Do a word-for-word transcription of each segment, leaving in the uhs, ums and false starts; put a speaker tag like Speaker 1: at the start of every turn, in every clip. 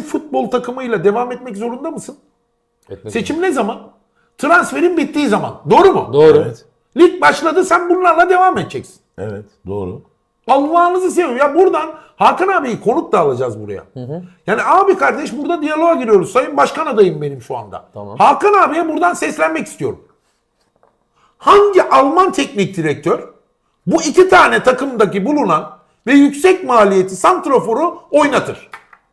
Speaker 1: futbol takımıyla devam etmek zorunda mısın?
Speaker 2: Etmek
Speaker 1: Seçim ne zaman? Transferin bittiği zaman. Doğru mu?
Speaker 2: Doğru.
Speaker 3: Evet.
Speaker 1: Lig başladı, sen bunlarla devam edeceksin.
Speaker 3: Evet. Doğru.
Speaker 1: Allah'ınızı seviyorum. Ya buradan Hakan abiyi konuk da alacağız buraya. Hı hı. Yani abi kardeş burada diyaloğa giriyoruz. Sayın Başkan adayım benim şu anda.
Speaker 2: Tamam.
Speaker 1: Hakan abiye buradan seslenmek istiyorum. Hangi Alman teknik direktör bu iki tane takımdaki bulunan ve yüksek maliyeti santraforu oynatır?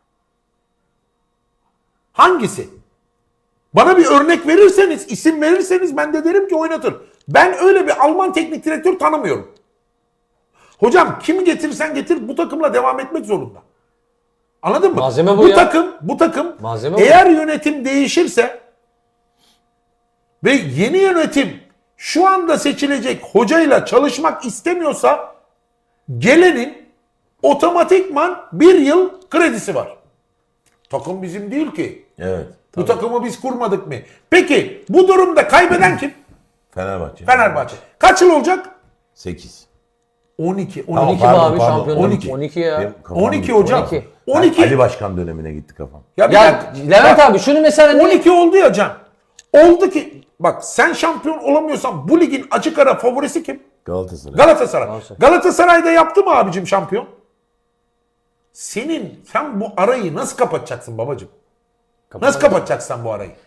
Speaker 1: Hangisi? Bana bir örnek verirseniz, isim verirseniz ben de derim ki oynatır. Ben öyle bir Alman teknik direktör tanımıyorum. Hocam kimi getirirsen getir bu takımla devam etmek zorunda. Anladın mı?
Speaker 2: Malzeme bu
Speaker 1: bu
Speaker 2: ya.
Speaker 1: takım, bu takım
Speaker 2: Malzeme bu.
Speaker 1: eğer yönetim değişirse ve yeni yönetim şu anda seçilecek hocayla çalışmak istemiyorsa gelenin otomatikman bir yıl kredisi var. Takım bizim değil ki.
Speaker 3: Evet.
Speaker 1: Bu takımı biz kurmadık mı? Peki bu durumda kaybeden kim?
Speaker 3: Fenerbahçe.
Speaker 1: Fenerbahçe. Kaç yıl olacak?
Speaker 3: sekiz.
Speaker 1: on iki.
Speaker 3: Tamam,
Speaker 1: on iki.
Speaker 2: mi
Speaker 3: pardon,
Speaker 2: abi
Speaker 3: pardon,
Speaker 2: şampiyonluk?
Speaker 3: on iki.
Speaker 2: on iki ya.
Speaker 3: Benim kafam
Speaker 1: on iki
Speaker 3: gitti.
Speaker 1: hocam.
Speaker 2: on iki.
Speaker 1: on
Speaker 3: Ben
Speaker 1: iki.
Speaker 3: Ali Başkan dönemine gitti kafam.
Speaker 1: Ya, bir
Speaker 2: Ya
Speaker 1: dakika.
Speaker 2: Levent
Speaker 1: Bak,
Speaker 2: abi şunu mesela ne?
Speaker 1: on iki oldu ya Can. Oldu ki bak sen şampiyon olamıyorsan bu ligin açık ara favorisi kim?
Speaker 3: Galatasaray.
Speaker 1: Galatasaray.
Speaker 2: Galatasaray.
Speaker 1: Galatasaray'da yaptı mı abicim şampiyon? Senin sen bu arayı nasıl kapatacaksın babacığım? Nasıl kapatacaksın bu arayı?